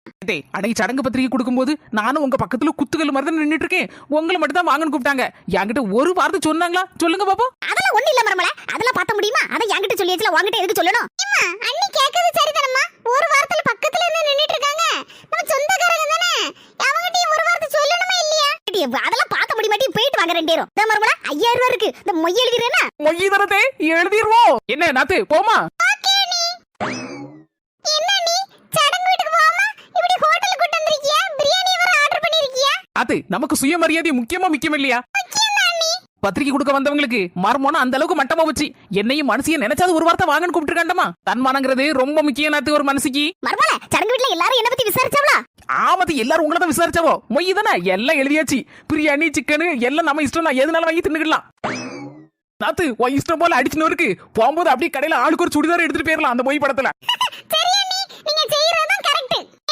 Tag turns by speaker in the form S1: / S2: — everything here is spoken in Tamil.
S1: அன்னைக்கு சடங்கு பத்திரிகை கொடுக்கும்போது நானும் உங்க பக்கத்துல குத்துக்கல் மாதிரி தான் நின்னுட்டு இருக்கேன். உங்களை மட்டும் தான் வாங்கன்னு கூப்பிட்டாங்க. என்கிட்ட ஒரு வார்த்தை சொன்னாங்களா? சொல்லுங்க பாப்போம்.
S2: அதெல்லாம் ஒண்ணு இல்ல மரமல, அதெல்லாம் பார்த்த முடியுமா? அத என்கிட்ட சொல்லியாச்சுல, உன்கிட்ட எதுக்கு சொல்லணும்? அம்மா அண்ணி கேக்குறது சரிதானம்மா. ஒரு வாரத்துல பக்கத்துல இருந்து நின்னுட்டு இருக்காங்க, நம்ம சொந்தக்காரங்க தானே, அவங்கிட்ட ஒரு வார்த்தை சொல்லணுமா இல்லையா? அதெல்லாம் பார்த்த முடிய மாட்டே, போயிட்டு வாங்க ரெண்டு பேரும். இந்த மரமல 5000 ரூபாய் இருக்கு, இந்த மொய் எழுதிறேனா?
S1: மொய் தரதே எழுதிடுவோம். என்ன நாத்து போமா?
S2: ஓகே நீ என்ன நீ சடங்கு வீட்டுக்கு போகாம இப்படி ஹோட்டலுக்கு கூட்டி வந்திருக்கியா? பிரியாணி வர ஆர்டர் பண்ணிருக்கியா?
S1: அது நமக்கு சுயமரியாதை முக்கியம் இல்லையா? பத்திரிக்கை கொடுக்க வந்தவங்களுக்கு மர்மோனா அந்த அளவுக்கு மட்டமா வச்சு என்னையும் மனசிய நினைச்சாது ஒரு வார்த்தை வாங்கன்னு கூப்பிட்டுருக்காண்டமா. தன்மானங்கிறது ரொம்ப முக்கியம் நாத்து ஒரு மனசுக்கு.
S2: மர்மல சடங்கு வீட்ல எல்லாரும் என்ன பத்தி விசாரிச்சாவளா?
S1: ஆமத்து எல்லாரும் உங்களை தான் விசாரிச்சாவோ? மொய் தானே எல்லாம் எழுதியாச்சு. பிரியாணி சிக்கனு எல்லாம் நம்ம இஷ்டம் தான், எதுனாலும் வாங்கி தின்னுக்கலாம். நாத்து உன் இஷ்டம் போல அடிச்சுன்னு இருக்கு. போகும்போது அப்படியே கடையில ஆளுக்கு ஒரு சுடிதார் எடுத்துட்டு போயிடலாம் அந்த மொய் படத்துல.
S2: சரியா